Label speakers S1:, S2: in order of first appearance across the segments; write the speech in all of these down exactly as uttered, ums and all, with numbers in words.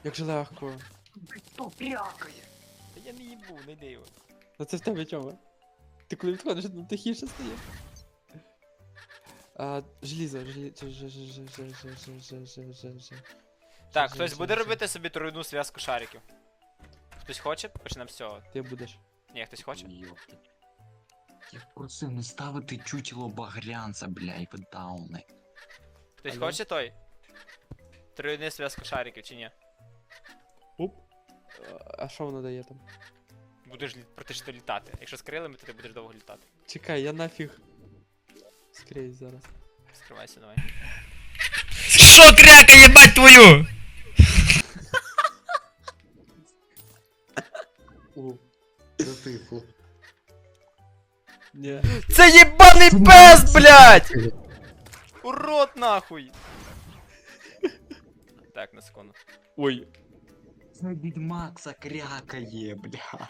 S1: Як же легко.
S2: Хто прякає?
S3: Та я не їбу, не йди його.
S1: А це в тебе чого? Ти коли відходиш, ну тихіше стає. А, желізо, желізо, ж, ж, ж, ж, ж, ж, ж, ж, ж.
S3: Так,
S1: Ж,
S3: хтось
S1: ж,
S3: буде
S1: ж.
S3: робити собі тройну зв'язку шариків. Хтось хоче? Почнемо з цього.
S1: Ти будеш.
S3: Ні, хтось хоче?
S2: Йопта. Я просив не ставити чучело багрянця, бля, і ви дауни.
S3: Хтось
S1: Алло?
S3: хоче той? Тройну зв'язку шариків чи ні?
S1: Оп. А що воно дає там?
S3: Будеш лі- практично літати. Якщо з крилами, то ти будеш довго літати.
S1: Чекай, я нафіг. Скрізь зараз.
S3: Скривайся, давай.
S4: Шо крякає, мать твою?
S1: О,
S2: Затихло.
S1: ні.
S3: Це єбаний пес, блядь! Урод нахуй! Так, на секунду.
S1: Ой.
S2: Це відьмак закрякає, бля.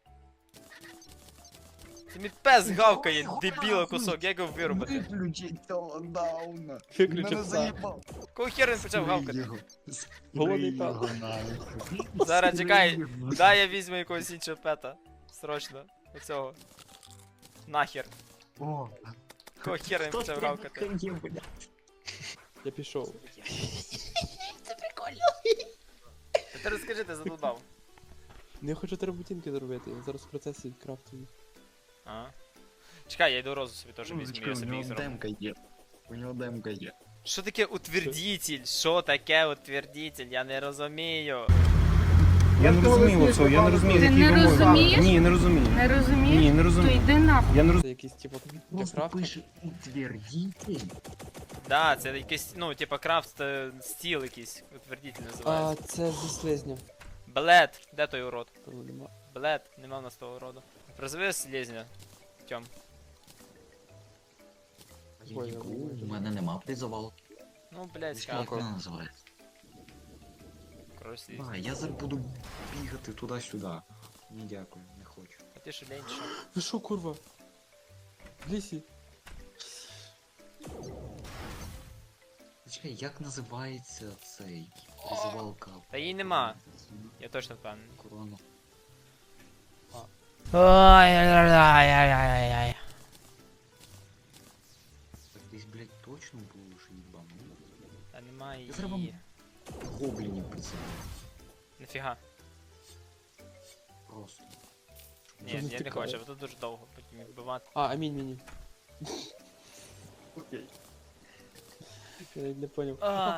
S3: Ти мій пес гавкає, дебіла кусок, як його вирубати?
S2: Виключіть цього дауна.
S1: Виключи
S2: Мене
S1: пса.
S2: заїбав.
S3: Кого хер він почав
S2: Спри
S3: гавкати?
S2: його.
S1: Голодний
S2: Спри
S1: пес.
S2: його нахуй.
S3: Зараз
S2: Спри
S3: чекай,
S2: його.
S3: дай я візьму якогось іншого пета. Срочно. Оцього. Нахер.
S2: О,
S3: Кого хера він
S2: хто
S3: почав гавкати?
S2: прякає, бля.
S1: Я пішов.
S3: Та ти розкажи, ти задудав.
S1: Ну я хочу терабутінки зробити, я зараз в процесі крафтую.
S3: Ага. Чекай, я йду розу собі теж візьму,
S2: Музичка,
S3: я
S2: у
S3: собі їх
S2: нього
S3: зроблю.
S2: демка є. У нього демка є.
S3: Що таке утвердитель? Що таке утвердитель? Я не розумію.
S4: Я не розумію оцього, я не розумію,
S5: Ти
S4: які
S5: не
S4: вимоги.
S5: розумієш?
S4: Ні, не розумію.
S5: Не розумієш?
S4: Ні, не
S5: То
S4: розумію.
S5: йди нахуй.
S4: Я не розумію.
S1: Це якийсь типу для
S2: Просто
S1: крафту.
S2: пише утвердитель.
S3: Да, це якийсь, ну, типа крафт е, стіл якийсь, утвердитель
S1: А,
S3: називається.
S1: це зі слизня.
S3: Блед, де той урод?
S1: Певно, нема.
S3: Блед, нема в нас того уроду. Призови слізня. Тьом.
S2: Я
S1: Ой,
S2: їбу,
S1: я
S2: у мене нема призовал.
S3: Ну, блядь,
S2: Як
S3: скаку.
S2: вона називається?
S3: Кров слізня.
S2: А, я зараз буду бігати туди-сюди. Ні, дякую, не хочу.
S3: А ти що, лень, що?
S1: Ви що, курва? В лісі.
S2: Чекай, як називається цей призивалка?
S3: Та її нема. Я точно впевнений.
S2: Корона.
S3: Ой-ой-ой-ой-ой-ой.
S2: Так десь, блядь, точно було ж їбану.
S3: Та нема
S2: Я зараз вам
S3: її.
S2: гоблінів призиваю.
S3: Нафіга?
S2: Просто.
S3: Ні,
S1: Щоб не
S3: я не
S1: втікали.
S3: хочу, бо тут дуже довго потім їх вбивати.
S1: А, амінь мені. Окей. Я навіть не поняв.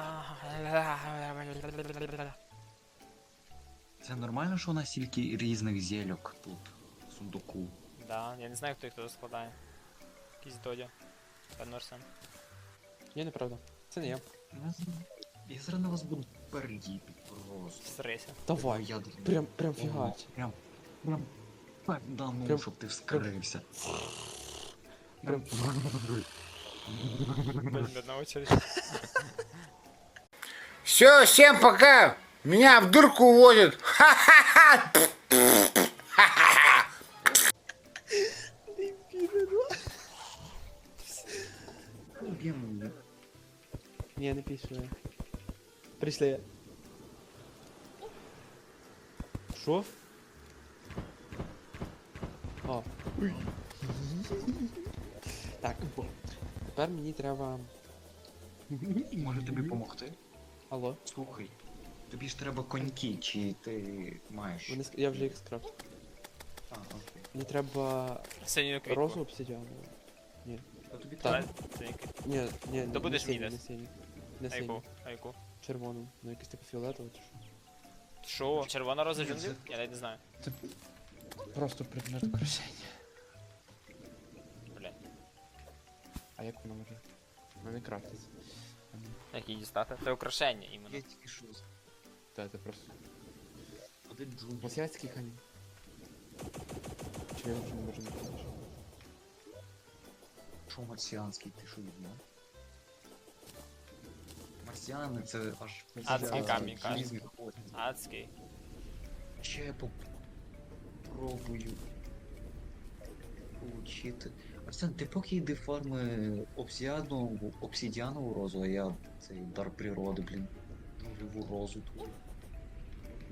S2: Це нормально, що у нас стільки різних зельок тут, в сундуку?
S3: Да, я не знаю, хто їх тут складає. Якийсь додя. Певно Арсен.
S1: Ні, неправда. Це не я.
S2: Я зараз- Я зараз на вас буду пердіти просто.
S3: Срися.
S1: Давай.
S2: Я
S1: Прям, прям фігач.
S2: Прям, прям, пердану,
S1: Прям-
S2: щоб ти вскрився.
S1: Прям.
S3: Блин, на очередь.
S6: Все, всем пока. Меня в дурку уводят. Ха-ха-ха.
S2: Блін,
S1: Ні, не пішли. Прийшли. Що? О. Так. Тепер мені треба.
S2: може тобі допомогти?
S1: Алло.
S2: Слухай, тобі ж треба коньки, чи ти маєш?
S1: Вони... ск- Я вже їх скрафтив.
S2: А, окей.
S1: Мені треба
S3: Синю квітку.
S1: розу обсидіану.
S2: А тобі
S1: Так.
S2: треба?
S3: Синю квітку.
S1: Ні, ні,
S3: То
S1: не
S3: будеш
S1: синю,
S3: мій
S1: не
S3: десь?
S1: синю. Не
S3: А
S1: синю.
S3: яку? А яку?
S1: Червону. Ну якийсь типу фіолетовий чи що.
S3: Що? Червона роза джунглів? Я навіть не знаю.
S1: Просто предмет украшення.
S3: Блядь.
S1: А як воно може? Вони крафтиться.
S3: Як її дістати? Це украшення іменно.
S2: Я тільки що з-
S1: Та це просто.
S2: Один джун.
S1: Азіатський камінь. Чи я вже не можу не
S2: Що марсіанський, ти що відьмак? Марсіани це аж...
S3: Адський камінь, кажуть.
S2: Різних ходів.
S3: Адський.
S2: Ще я попробую получити. Арсен, ти поки йди фарми обсидіану, обсидіанову розу, а я цей дар природи, блін. Нульову розу тут.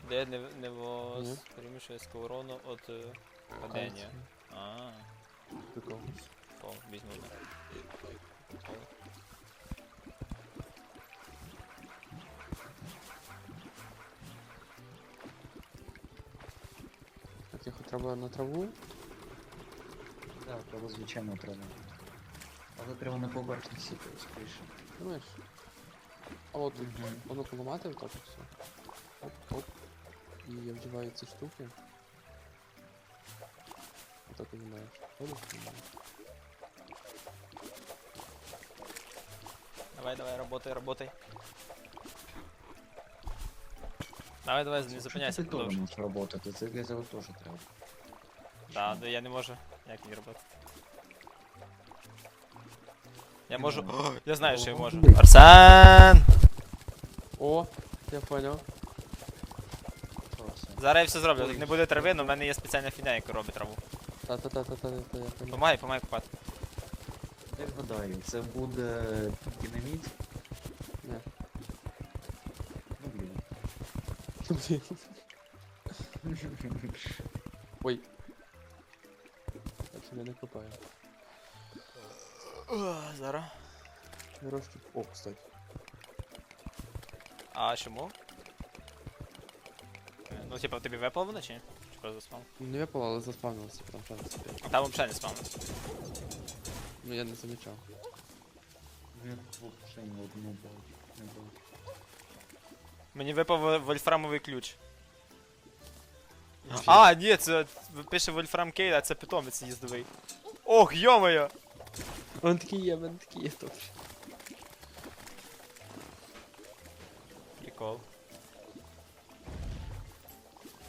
S3: Де не, не воспримішує урону від е, падіння. А,
S1: Прикол.
S3: о, візьму одне. О.
S1: Так, його треба на траву.
S2: Так, треба звичайно треба. Але треба на поверхні скоріше.
S1: Думаєш? А от тут воно поламати отак от все. Оп, оп. І я вдіваю ці штуки. Отак знімаєш. Ходиш, знімаєш.
S3: Давай, давай, работай, работай. Давай, давай, не зупиняйся,
S2: Ти теж
S3: продовжуй.
S2: можеш працювати, це для цього теж треба.
S3: Да, да, я не можу. Як не робити? Я можу. О, я знаю, що я можу. Арсен!
S1: О, я понял.
S2: Просто.
S3: Зараз я все зроблю. Тут не буде трави, але в мене є спеціальна фігня, яка робить траву.
S1: Та-та-та-та-та, я понял.
S3: Помагай, помагай купати.
S2: Я гадаю, це буде динаміт.
S1: Не.
S2: Ну блін.
S1: Ой. Я тебе не копаю.
S3: О, зараз.
S1: Мирошки. О, кстати.
S3: А чому? Е, Ну, типа, тобі випало воно чи ні? Чи просто заспав?
S1: Не випало, але заспавнилося прям шанс.
S3: А там взагалі не спавнилось.
S1: Ну я не замічав.
S2: Я взагалі не одну бачу. Не бачу.
S3: Мені випав вольфрамовий ключ. А, ні, це пише Вольфрам Кейд, а це питомець їздовий. Ох, йо-моє!
S1: Он такий є, він такий є, добре.
S3: Прикол.